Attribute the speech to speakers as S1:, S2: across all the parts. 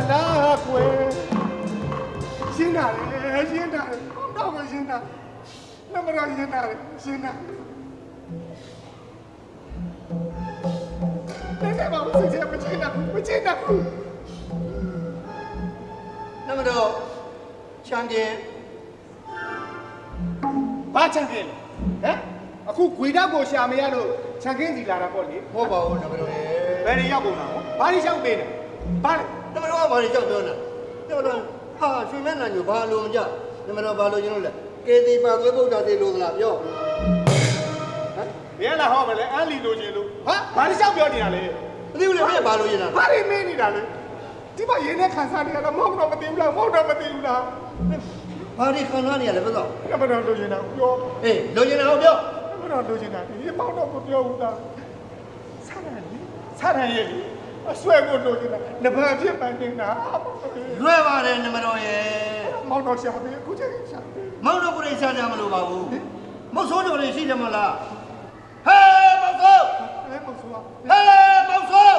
S1: လားကွယ်ရှင်းတာလေရှင်းတာလေတော့မရှင်းတာနမတော်ရှင်းတာလေရှင်းတာတဲ့ဘာလို့စိတ်မချင်တာမချင်တာ
S2: နမတော်ချန်ကင်
S1: ဘာချန်ကင်ဟမ်အခုခွေတောက်ကိုရှာမရလို့ချန်ကင်းစီလာတာပေါ့လေ
S2: ဟုတ်ပါဘူးနမတော်ရေ
S1: ဘယ်နေရောက်ကုန်တာဟောဘာလို့ရှောက်ပေးနေဘာလဲ
S2: နမတော်ကဘာလို့ကြောက်ပြောနေတာနမတော်ဟာရွှေမဲနံညိုဘာလို့မကြနမတော်ဘာလို့ကျွန်တော်လဲကေတီပါသွေးပုတ်တာသေးလို့လားပြော
S1: ဟမ်ဘယ်လာဟောမလဲအန်လီလိုချင်လို့ဟာဘာလို့ရှောက်ပြောနေတာလဲ
S2: မသိဘူးလေမင်းဘာလို့ရင်လား
S1: ဘာလို့မင်းနေတာလဲဒီမှာရင်းနဲ့ခံစားနေရတာမဟုတ်တော့မသိဘူးလားမဟုတ်တော့မသိဘူးလား
S2: ဘာဒီခံစားနေရလဲဘယ်တော့
S1: နမတော်လိုချင်တာပြော
S2: အေးလိုချင်တာဟုတ်ပြော
S1: နမတော်လိုချင်တာဒီမောင်တော့မပြောဘူးလားစားတယ်လေအဆွဲကိုလိုချင်တာနဘာဖြစ်ပန်းနေတာ
S2: လွယ်ပါတယ်နမတော်ရေ
S1: မောင်တော်ရှာပြီအခုချိန်ရှာပြီ
S2: မောင်တော်ကိုယ်ရှာကြမလို့ပါဘူးမဟုတ်ဆိုးတော်တွေရှိတယ်မလားဟဲမောင်ဆိုး
S1: ဟဲမောင်ဆိုး
S2: ဟဲမောင်ဆိုး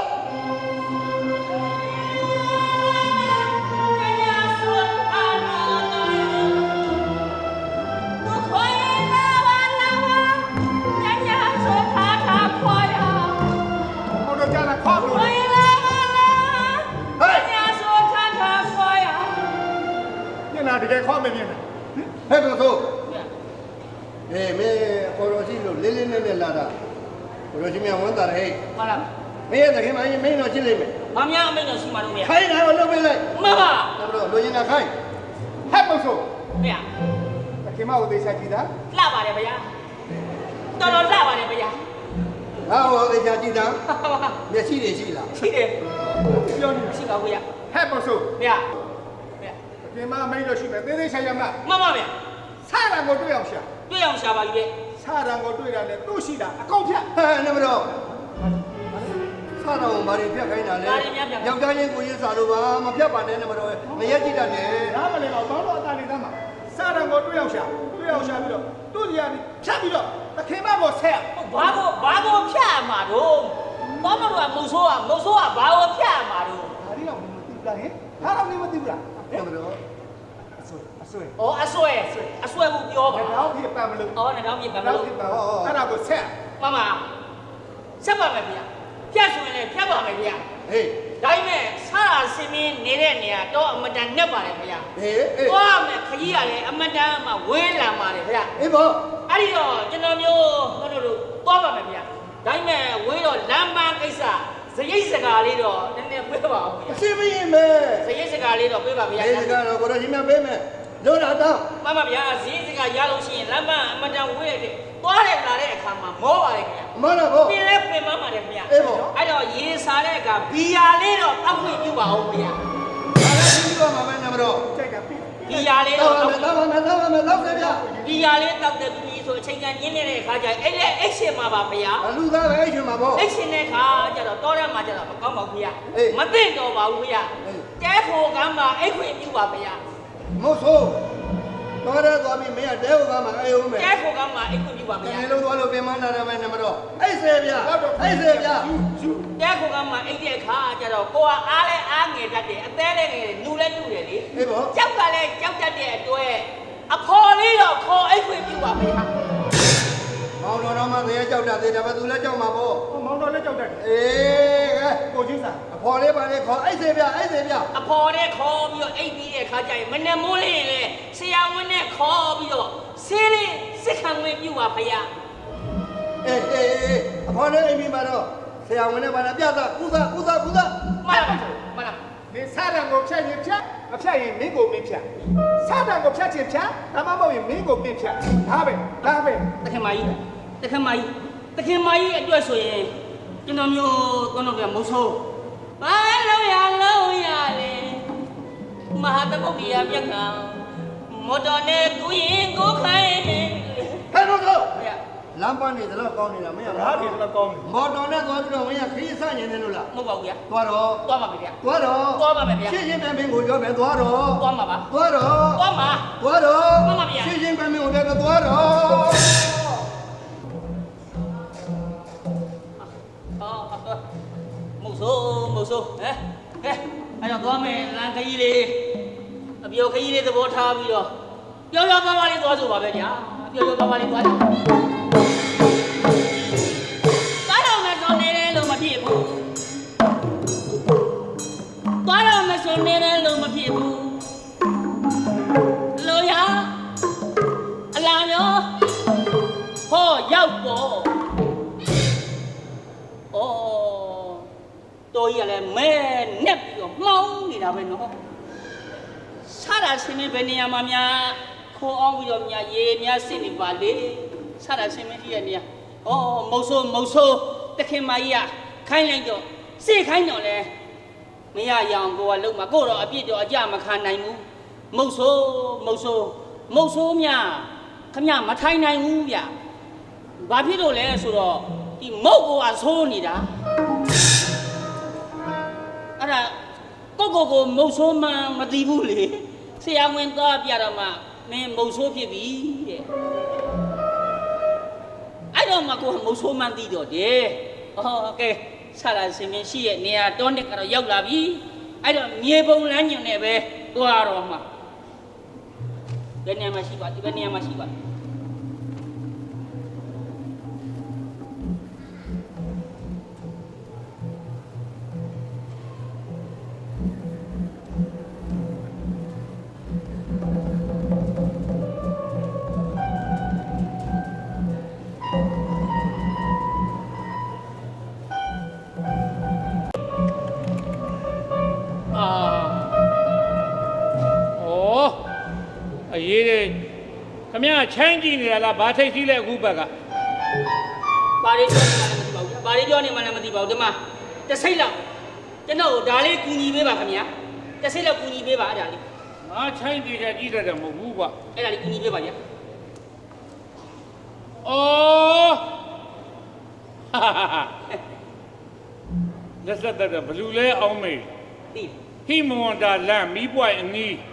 S1: တကယ်ခေါ်မမြင်နဲ့
S2: ဟဲ့ဘယ်လိုအေးမေခေါ်တော်ရှိလို့လေးလေးနဲ့နဲ့လာတာခေါ်တော်ရှိမြဝမ်းတာဟဲ့
S3: ဟုတ်လား
S2: မင်းရဲ့တခင်မင်းမင်းတော့ချစ်လိမ့်မယ်
S3: ။ဘာများအမိန့်တော့ရှိမှာတော့ဗျာ
S2: ။ခိုင်းတာကိုလုပ်ပေးလိုက်
S3: ။မှန်ပါ
S2: ။ဒါတော့လူရင်တာခိုင်း
S1: ဟဲ့မဆို
S3: ဗျာ
S1: တခင်မကိုသိချကြည့်တာ
S3: လှပါတယ်ဗျာ။တော်တော်လှပါတယ်ဗျာ
S2: ။ငါ့ကိုသိချကြည့်တာမျက်စိတွေရှိလား
S3: ။ရှိတယ်
S1: ။ပြောနေ
S3: ရှိပါဘူးဗျာ
S1: ။ဟဲ့မဆို
S3: ဗျာ
S1: တခင်မမိတ်လို့ရှိမယ်သေးသေးချာချာမှ
S3: မှန်ပါဗျာ
S1: ။ဆရာကိုတွေ့အောင်ရှာ
S3: ။တွေ့အောင်ရှာပါပြီဗျ
S1: ။ဆရာကိုတွေ့တာနဲ့သူ့ရှိတာအကုန်ဖြတ်
S2: ဟဲ့နမတော်ဆရာတော်ဘာတွေဖြတ်ခိုင်းတာလဲယောက်ျားချင်းကိုရင်းစာလို့ပါမဖြတ်ပါနဲ့နမတော်မရက်ကြည့်တတ်နဲ့
S1: ဒါမလဲတော့ဘောတော့အတားနေသားမှာဆရာကိုတွေ့အောင်ရှာပြီးတော့သူ့ကြီးကဖြတ်ပြီးတော့တခင်မကိုဆက်
S3: ဘာကိုဖြတ်မှာတော့ဘောမတော်ကမုတ်ဆိုးကဘာကိုဖြတ်မှာတော့
S1: ဒါလေးတော့မသိဘူးလားဟင်ဒါတော့မသိဘူးလား
S2: နမတော်
S1: အဆွဲ
S3: အဆွဲကိုပြောပါ
S1: တော့ဖြစ်ပန်မလို့
S3: နဲ့တော့ဖြစ်ပန်မလို့
S1: အဲ့ဒါကိုဆက်
S3: မမဆက်ပါမယ်ဗျာဖြတ်ဆိုရင်လည်းဖြတ်ပါမယ်ဗျာ
S2: ဟေး
S3: ဒါပေမဲ့ဆရာစင်းင်းနေတဲ့နေရာတော့အမတန်နဲ့ပါတယ်ဗျာ
S2: ဟေး
S3: သွားမယ်ခကြီးရတယ်အမတန်မှဝေးလာပါတယ်ဗျာ
S2: အေးဘော
S3: အဲ့ဒီတော့ကျွန်တော်မျိုးတို့သွားပါမယ်ဗျာဒါပေမဲ့ဝေးတော့လမ်းပန်းကိစ္စဇရိတ်စကားလေးတော့နည်းနည်းပေးပါဦးဗျာ
S2: အစီမရင်မယ်
S3: ဇရိတ်စကားလေးတော့ပေးပါဗျာ
S2: ဇရိတ်စကားတော့ကိုတော့ရှင်မပေးမယ်လို့လာတော့
S3: မှန်ပါဗျာဇရိတ်စကားရလို့ရှိရင်လမ်းပန်းအမတန်ဝေးတဲ့သွားတယ်လာတဲ့အခါမှာမောပါတယ်ခင်ဗျာ
S2: မောတော့ဘော
S3: ပြင်းလဲပြင်မှပါတယ်ခင်ဗျာ
S2: အေးဘော
S3: အဲ့တော့ရေစားတဲ့အခါဘီယာလေးတော့တောက်ခွင့်ပြုပါဦးခင်ဗျာ
S2: ဒါလည်းပြီးတော့မှာပဲနမတော်
S1: ကြိုက်တာပြီ
S3: ဘီယာလေးတော့
S2: တောက်ပါမယ်တောက်တယ်ဗျာ
S3: ဘီယာလေးတောက်တယ်ပြီးဆိုအချိန်ကညင်းနေတဲ့အခါကျရင်အဲ့လေအိတ်ရှင်မှာပါဗျာ
S2: အလူသားပဲအိတ်ရှင်မှာပေါ့
S3: အိတ်ရှင်တဲ့အခါကျတော့တောထဲမှာကျတော့မကောင်းပါဘူးဗျာမသိတော့ပါဘူးဗျာတဲဖို့ကမ်းမှာအိတ်ခွင့်ပြုပါဗျာ
S2: မဟုတ်ဆိုတော့ရဲသွားပြီးမင်းကတဲဟုတ်ကမှာအေးဦးမယ်
S3: တဲဖို့ကမ်းမှာအိတ်ခွင့်ပြုပါဗျာ
S2: တကယ်လို့သွားလို့ပြင်မနာတယ်ပဲနမတော်အိတ်ဆယ်ဗျာအိတ်ဆယ်ဗျာ
S3: တဲဖို့ကမ်းမှာအိတ်တဲ့အခါကျတော့ကိုကအားလဲအားငယ်တတ်တယ်အသေးလဲငယ်တယ်နူလဲနူတယ်လေ
S2: အေးပေါ့
S3: ကြောက်ကလည်းကြောက်တတ်တဲ့အတွက်အဖော်လေးတော့ခေါ်အိတ်ခွင့်ပြုပါဗျာ
S2: မောင်တော်မှသေကြောက်တတ်တယ်ဒါပေမဲ့သူလည်းကြောက်မှာပေါ့
S1: မောင်တော်လည်းကြောက်တတ်တယ်
S2: အေး
S1: ကိုချင်းစာ
S2: အဖော်လေးပါလေခေါ်အိတ်ဆယ်ဗျာ
S3: အဖော်လေးခေါ်ပြီးတော့အိတ်ပြီးတဲ့အခါကျရင်မနဲ့မိုးလေးရင်လေဆရာဝန်နဲ့ခေါ်ပြီးတော့ဆေးလေးစစ်ခံဝင်ပြုပါဗျာ
S2: အေးအဖော်လေးအိမ်ပြီးမှတော့ဆရာဝန်နဲ့ပါလားပြတာကုသ
S3: မှန်လား
S1: မင်းစားတယ်ကိုဖြတ်ရင်ဖြတ်မဖြတ်ရင်မင်းကိုမင်းဖြတ်စားတယ်ကိုဖြတ်ချင်ဖြတ်ဒါမှမဟုတ်ရင်မင်းကိုမင်းဖြတ်ဒါပဲ
S3: တခင်မကြီးအတွက်ဆိုရင်ကျွန်တော်မျိုးတော့ပြမဆိုးဘာလုံးရလေမဟာတပုတ်ကြီးပြက်ကမော်တော်နဲ့ကိုရင်ကိုခိုင်း
S2: ဟဲ့တော့လမ်းပန်းနေတယ်လို့ကောင်းနေတာမင်းက
S1: လားဒီတော့ကောင်းတယ်
S2: မော်တော်နဲ့သွားပြီးတော့မင်းကခရီးဆန့်နေတယ်လို့လား
S3: မဟုတ်ပါဘူးဗျာ
S2: သွား
S3: ပါမယ်ဗျာ
S2: သွား
S3: ပါမယ်ဗျာ
S2: ရှင်းမင်းကိုပြောမယ်သွား
S3: မှာပါ
S2: သွား
S3: မှာဗျာ
S2: ရှင်းမင်းကိုလည်းသွား
S3: မဟုတ်ဆိုးဟဲ့အဲ့တော့သွားမယ်လမ်းခကြီးလေးအပြောခကြီးလေးသဘောထားပြီးတော့ပျော်ပျော်ပါပါလေးသွားဆိုပါပဲဗျာပျော်ပျော်ပါပါလေးသွားကြသွားတော့မယ်ဆိုနေတယ်လို့မဖြစ်ဘူးသွားတော့မယ်ဆိုနေတယ်လို့မဖြစ်ဘူးလို့ရအလားမျိုးဟောရောက်တော့ဩတော်ကြီးကလည်းမဲနဲ့ပြီးတော့မှောင်းနေတာပဲနော်ဆရာရှင်မင်းဘယ်နေရာမှာများခေါ်အောင်ပြီးတော့များရေများစစ်နေပါလေဆရာရှင်မင်းကြီးရဲ့နေရာဩမုတ်ဆိုးတခင်မကြီးကခိုင်းလိုက်တော့စိတ်ခိုင်းတော့လဲမရရအောင်ကိုကလုံးမှာကိုတော့အပြစ်တော့အကြမခံနိုင်ဘူးမုတ်ဆိုးများခမမထိုင်နိုင်ဘူးဗျဘာဖြစ်လို့လဲဆိုတော့ဒီမုတ်ကိုကဆိုးနေတာအဲ့ဒါကိုမုတ်ဆိုးမှမသိဘူးလေဆရာဝန်သွားပြတော့မှမင်းမုတ်ဆိုးဖြစ်ပြီတဲ့အဲ့တော့မှကိုကမုတ်ဆိုးမှသိတော့တယ်โอเคဆရာရှင်မင်းရှိရဲ့နေရာတောနှစ်ကတော့ရောက်လာပြီအဲ့တော့မြေပုံလမ်းညွန်နဲ့ပဲသွားတော့မှဘယ်နေရာမှာရှိပါဒီဘယ်နေရာမှာရှိပါ
S4: ရေးတယ်ခမရချမ်းကြည့်နေရလားဘာထိတ်စီးလဲအခုဘက်က
S3: ဘာတွေပြောနေမှလည်းမသိပါဘူးဒီမှာတစ်စိတ်လောက်ကျွန်တော်ဒါလေးကူညီပေးပါခင်ဗျာတစ်စိတ်လောက်ကူညီပေးပါအဲ့ဒါလေး
S4: ငါချမ်းကြည့်တယ်ကြည့်တယ်မဟုတ်ဘူးကွာ
S3: အဲ့ဒါလေးကူညီပေးပါဗျာ
S4: အော်လက်ဆက်တဲ့ဘလူးလဲအောင်မေး
S3: သိ
S4: ဟိမဝန္တာလမ်းမီးပွိုင်အနီး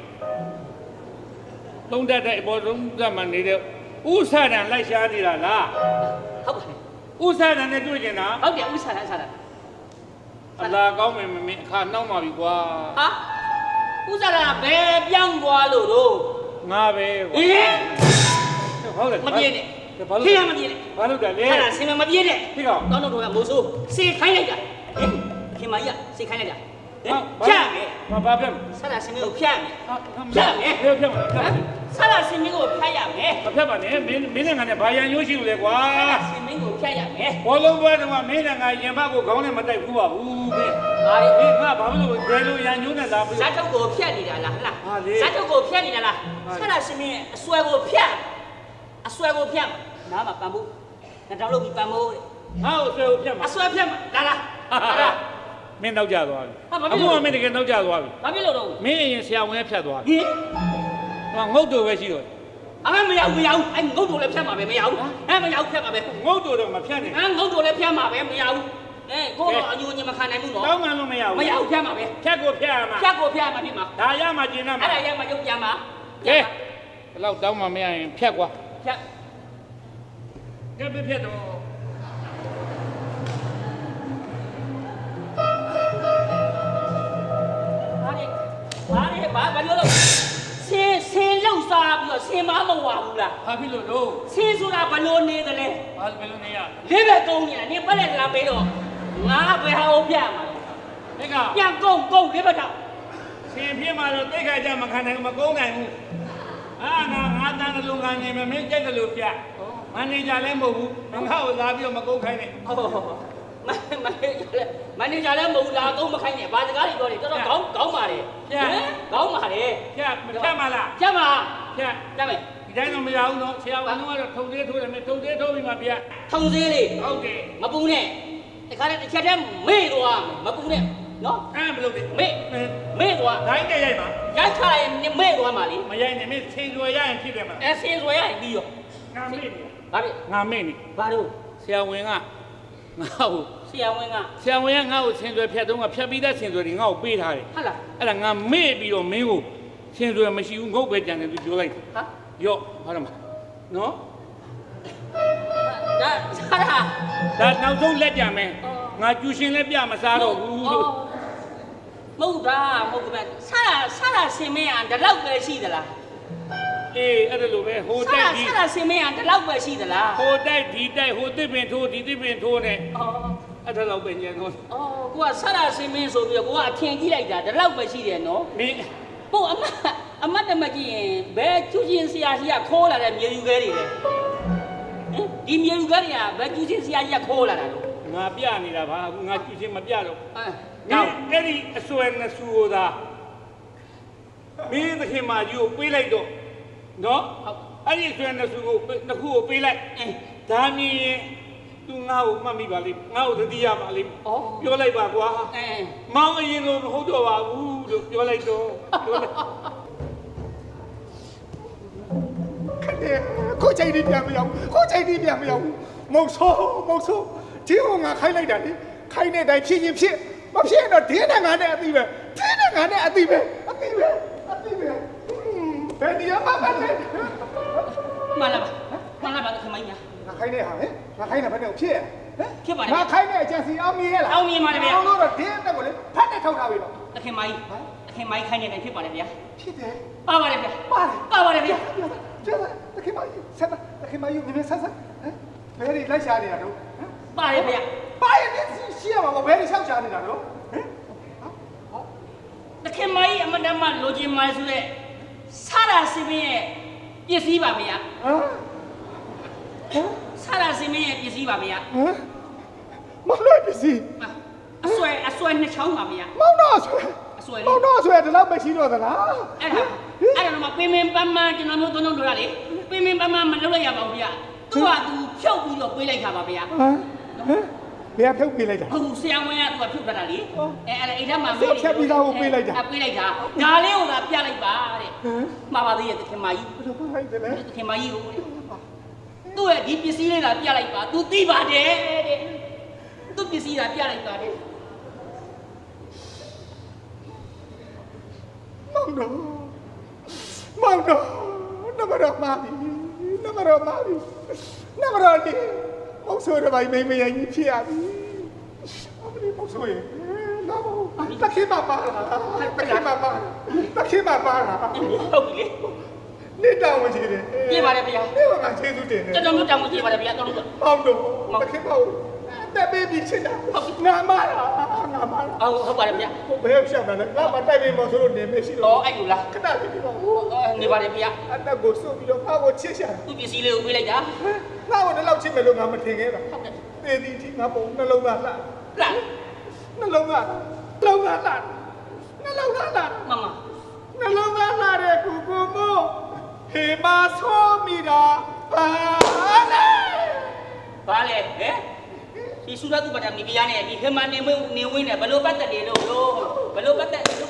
S4: သုံးတတ်တဲ့အပေါ်ဆုံးသတ်မှနေတဲ့ဥစ္စာတန်လိုက်ရှားနေတာလား
S3: ဟုတ်ပါတယ်
S4: ဥစ္စာတန်နဲ့တွေ့ကျင်တာ
S3: ဟုတ်တယ်ဥစ္စာတန်
S4: အလားကောင်းမယ်မင်းအခါနှောက်ပါပြီကွာ
S3: ဟာဥစ္စာတန်ဘယ်ပြောင်းသွားလို့တော့
S4: ငါပဲကွာဟုတ်တယ်
S3: မပြေနဲ့ခေရမပြေနဲ့
S4: ဘာလို့လဲ
S3: အဲ့ဒါဆင်မပြေနဲ့
S4: ခေကောင်
S3: တောင်းတော့ကမိုးဆိုးစေခိုင်းလိုက်တာဟင်ခင်မကြီးကစေခိုင်းလိုက်တာဖြတ်မယ်
S4: ဘာဖြတ်
S3: ဆရာရှင်ကိုဖြတ်မယ်
S4: ဖြတ်မယ်ဖြတ်မယ်
S3: ဆရာရှင်ကိုဖြတ်ရမယ်
S4: မဖြတ်ပါနဲ့မင်းနဲ့ငါနဲ့ဘာရန်ရိုးရှိလို့လဲကွာ
S3: ရှင်မင်းကိုဖြတ်ရမယ်
S4: ဘောလုံးပွဲတော့မင်းနဲ့ငါရင်ဘတ်ကိုခေါင်းနဲ့မတိုက်ဘူးပါဘူးမင်းငါဘာလို့ဘယ်လိုရန်ညိုးနဲ့လာပြီး
S3: ဇာတ်ထုတ်ကိုဖြတ်နေတာလားဟလားဇာတ်ထုတ်ကိုဖြတ်နေတာလားဆရာရှင်မင်းအစွဲကိုဖြတ်နားမှာပန်ဖို့ငါတောင်းလို့ပြီးပန်ဖို့
S4: ငါ့ကိုအစွဲကိုဖြတ်မှာ
S3: အစွဲဖြတ်မှာလာ
S4: မင်းနောက်ကျသွားပြီအခုမှမင်းတကယ်နောက်ကျသွားပြီ
S3: ဘာဖြစ်လို့တော့
S4: မင်းအရင်ဆရာဝန်ဖြတ်သွားပြီဟင်ငုတ်တူပဲရှိတော့
S3: မရဘူးအဲ့ငုတ်တူလည်းဖြတ်မှာပဲမရဘူးမရဘူးဖြတ်မှာပဲ
S4: ငုတ်တူတော့မဖြတ်နဲ့
S3: ငုတ်တူလည်းဖြတ်မှာပဲမရဘူးကိုတော့အညိုညင်မခံနိုင်ဘူးနော်
S4: တောင်းမှလို့မရဘူး
S3: ဖြတ်မှာပဲ
S4: ဖြတ်ကိုဖြတ်ရမှာ
S3: ဖြစ်မှာ
S4: ဒါရမှာကျင်ရမှာ
S3: အဲ့ဒါရမှာရုပ်ပြန်မှာ
S4: ကဲဘယ်လောက်တောင်းမှမရရင်ဖြတ်ကွာ
S3: ဖြတ်
S4: ကဲဖြတ်တော့
S3: ဘာပြောလို့ဆင်းလောက်စားပြီးတော့ဆင်းမမဝဘူးလား
S4: ဘာဖြစ်လို့လို့
S3: ဆင်းဆိုတာဘလို့နေတယ်လဲ
S4: ဘာဘယ်လိုနေရ
S3: လေးပဲကုန်းနေတာနေပတ်လက်လာပေးတော့ငါဘယ်ဟာကိုပြမှာ
S4: လဲက
S3: ပြန်ကုန်းလေးပဲတော့
S4: ဆင်းပြမှာတော့တိတ်ခါကြမခံနိုင်မကုန်းနိုင်ဘူးငါတန်းကလူကနေမင်းကြက်တယ်လို့ပြမန်နေဂျာလည်းမဟုတ်ဘူးငါ့ကိုလာပြီးတော့မကုန်းခိုင်းနဲ့
S3: မန်နေဂျာလည်းမဟုတ်လာကုန်းမခိုင်းနဲ့ဘာစကားတွေပြောတယ်တော်တော်ကောင်းပါတယ်ကောင်းပါတယ်
S4: ဖြတ်မလား
S3: ဖြတ်မယ်
S4: ဒီတိုင်းတော့မရဘူးနော်ဆရာဝန်ကတော့ထုံသေးထိုးတယ်ထုံသေးထိုးပြီးမှပြ
S3: ထုံသေးလေ
S4: ဟုတ်တယ်
S3: မပူနဲ့တခါတည်းတစ်ချက်တည်းမေ့သွားမပူနဲ့နော်
S4: ဘယ်လိုလဲ
S3: မေ့သွား
S4: ဒိုင်းနဲ့ရိုက်ပါ
S3: ရိုက်ချလိုက်ရင်မေ့သွားမှာလေ
S4: မရိုက်နဲ့မင်းဆင်စွယ်ရရင်ဖြစ်တယ်မလား
S3: ဆင်စွယ်ရရင်ပြီးရော
S4: ငါမေ့နေ
S3: ဘာဖြစ်
S4: ငါမေ့နေ
S3: ဘာလို့
S4: ဆရာဝန်ကငါ့ကို
S3: ဆရာဝန်က
S4: ငါ့ကိုဆင်စွယ်ဖြတ်တော့ဖြတ်ပြီးသားဆင်စွယ်တွေငါ့ကိုပေးထားတယ်
S3: ဟုတ်လား
S4: အဲ့ဒါငါမေ့ပြီးတော့မင်းကိုဆင်စွယ်မရှိဘူးငုတ်ပဲကြံတယ်သူပြောလိုက်
S3: ဟာ
S4: ရော့ဟုတ်တယ်မနော်
S3: ဒါ
S4: နောက်ဆုံးလက်ကြမယ်ငါကျူရှင်လည်းပြမစားတော့ဘူးလို့
S3: မဟုတ်တာမဟုတ်ကဲဆရာစင်မင်းကဒီလောက်ပဲရှိသလား
S4: အေးအဲ့ဒါလိုပဲဟိုတိုက်ဒီ
S3: ဆရာစင်မင်းကဒီလောက်ပဲရှိသလား
S4: ဟိုတိုက်ဒီတိုက်ဟိုတစ်ပင်ထိုးဒီတစ်ပင်ထိုးနဲ့
S3: အော်
S4: အဲ့ဒါတော့ပဲညံတော့
S3: အော်ကိုကဆရာစင်မင်းဆိုပြီးတော့ကိုကအထင်ကြီးလိုက်တာဒီလောက်ပဲရှိတယ်နော်
S4: မင်း
S3: ဟုတ်အမတ်တမကြည့်ရင်ဘယ်ကျူးချင်းဆရာကြီးကခိုးလာတဲ့မြေယူခဲတွေလဲဒီမြေယူခဲတွေကဘယ်ကျူးချင်းဆရာကြီးကခိုးလာတာလို့
S4: ငါပြနေတာပါငါကျူချင်းမပြတော့
S3: နောက်
S4: အဲ့ဒီအစွဲနှစ်ဆူကိုသာမင်းသခင်မကြီးကိုပေးလိုက်တော့နော်အဲ့ဒီအစွဲနှစ်ဆူကိုနှစ်ခုကိုပေးလိုက်ဒါမြင်ရင်သူငါ့ကိုမှတ်မိပါလိမ့်ငါ့ကိုသတိရပါလိမ့်ပြောလိုက်ပါကွာမောင်အရင်ကမဟုတ်တော့ပါဘူးလို့ပြောလိုက်တော့ပြောလိုက်
S1: ကိုချိန်ဒီပြန်မရောက်ကိုချိန်ဒီပြန်မရောက်မုတ်ဆိုးဒီဟိုငါခိုင်းလိုက်တာလေခိုင်းတဲ့တိုင်းဖြစ်ရင်ဖြစ်မဖြစ်ရင်တော့ဒင်းနဲ့ငါနဲ့အတိပဲဒင်းနဲ့ငါနဲ့အတိပဲဘယ်နေရာမှာလဲ
S3: မှန်လားပါခမိုင်းညာ
S1: ငါခိုင်းတဲ့ဟာဟဲ့ငါခိုင်းတာဘယ်နဲ့ဖြစ်ရဟမ်
S3: ဖြစ်ပါလေ
S1: ငါခိုင်းတဲ့အကြံစီအောင်မြင်ရလား
S3: အောင်မြင်ပါလေဗျာ
S1: အောင်လို့တော့ဒင်းနဲ့ကိုလေဖတ်နဲ့ထောက်ထားပြီတော့
S3: အခင်မိုင်းခိုင်းနေတယ်ဖြစ်ပါလေဗျာ
S1: ဖြစ်တယ်
S3: ပါပါလေဗျာ
S1: ပါတယ်
S3: ပါပါလေဗျာ
S1: ကျန်တခင်မယူဆက်တခင်မယူမြင်ဆက်ဟမ်ဘယ်ဒီလိုက်ရှာနေတာတော့ဟမ်
S3: ပါလေဗျာ
S1: ပါရင်ရှိရမှာဘယ်ဒီလျှောက်ရှာနေတာတော့ဟမ်
S3: တခင်မိုင်းအမတမလိုချင်မိုင်းဆိုတဲ့ဆရာစင်မင်းရဲ့ပစ္စည်းပါဗျာ
S1: ဟမ်
S3: ဆရာစင်မင်းရဲ့ပစ္စည်းပါဗျာ
S1: ဟမ်မလို့ပစ္စည်း
S3: အဆွဲနှစ်ချောင်းပါဗျာ
S1: မောင်တော့ဆွဲ
S3: အဆွဲ
S1: မောင်တော့ဆွဲဒီလောက်မရှိတော့သလား
S3: အဲ့ဒါတော့မပင်ပင်ပန်းပန်းကျွန်တော်တို့သုံးလုံးတို့ရလေပင်ပင်ပန်းပန်းမလုပ်လိုက်ရပါဘူးဗျာသူကသူဖြုတ်ပြီးတော့ပေးလိုက်တာပါဗျာ
S1: ဟမ်ဘယ်ဖြုတ်ပေးလိုက်တာ
S3: ဟုတ်ဆရာဝန်ကသူကဖြုတ်တာလေအဲ့အိမ်ထဲမှာပေးလိုက်တာဒါလေးကိုသာပြလိုက်ပါတဲ့မှာပါသေးရဲ့တခင်မကြီး
S1: ဘယ်လိုဖိုက်တယ်လဲ
S3: တခင်မကြီးကိုသူ့ရဲ့ဒီပစ္စည်းလေးသာပြလိုက်ပါသူသိပါတယ်တဲ့သူ့ပစ္စည်းသာပြလိုက်ပါတယ်
S1: မောင်တော့နမရမာဒီဒီမောင်ဆိုရပါမိမရင်ကြီးဖြစ်ရပြီအမလေးမောင်ဆိုရင်လာပါတခင်မပါလားတခင်မပါလား
S3: ဟုတ်ပြီလေ
S1: နေတောင်းဝင်ကြည့်တယ်
S3: ပြေးပါတယ်ဗျာ
S1: နေမှာကျေးဇူးတင်တယ်
S3: ကျွန်တော်တို့တောင်းကြည့်ပါတယ်ဗျာတော်တော်
S1: မောင်တော့တခင်မောင်တက်ပေးပြီးချစ်တာငါမလား
S3: ဟုတ်ပါတယ်ဗျာ
S1: ဘယ်ရောက်တာလဲငါမတိုက်ပေးမောင်ဆိုလို့နေမရှိတော့
S3: အဲ့လိုလား
S1: ခဏကြည့်ပါဦး
S3: နေပါတယ်ဗျာ
S1: အတက်ကိုစုပ်ပြီးတော့ငါ့ကိုချစ်ရှာ
S3: သူ့ပစ္စည်းလေးကိုပေးလိုက်တာ
S1: ငါ့ကိုလည်းလောက်ချစ်မယ်လို့ငါမထင်ခဲ့တာ
S3: ဟုတ်ကဲ့
S1: သေသည်ကြီးငါပုံနှလုံးသားလှ
S3: လား
S1: နှလုံးသားလှနှလုံးသားလှ
S3: မမ
S1: နှလုံးသားလှတဲ့ကူကိုမို့ဟေမာဆိုးမိတာပါလေ
S3: ဘာလဲဟဲ့ဒီစုရသူပဒမီပြားနဲ့ဒီခမနေဝင်းနဲ့ဘလို့ပတ်သက်နေလို့ဘလို့ပတ်သက်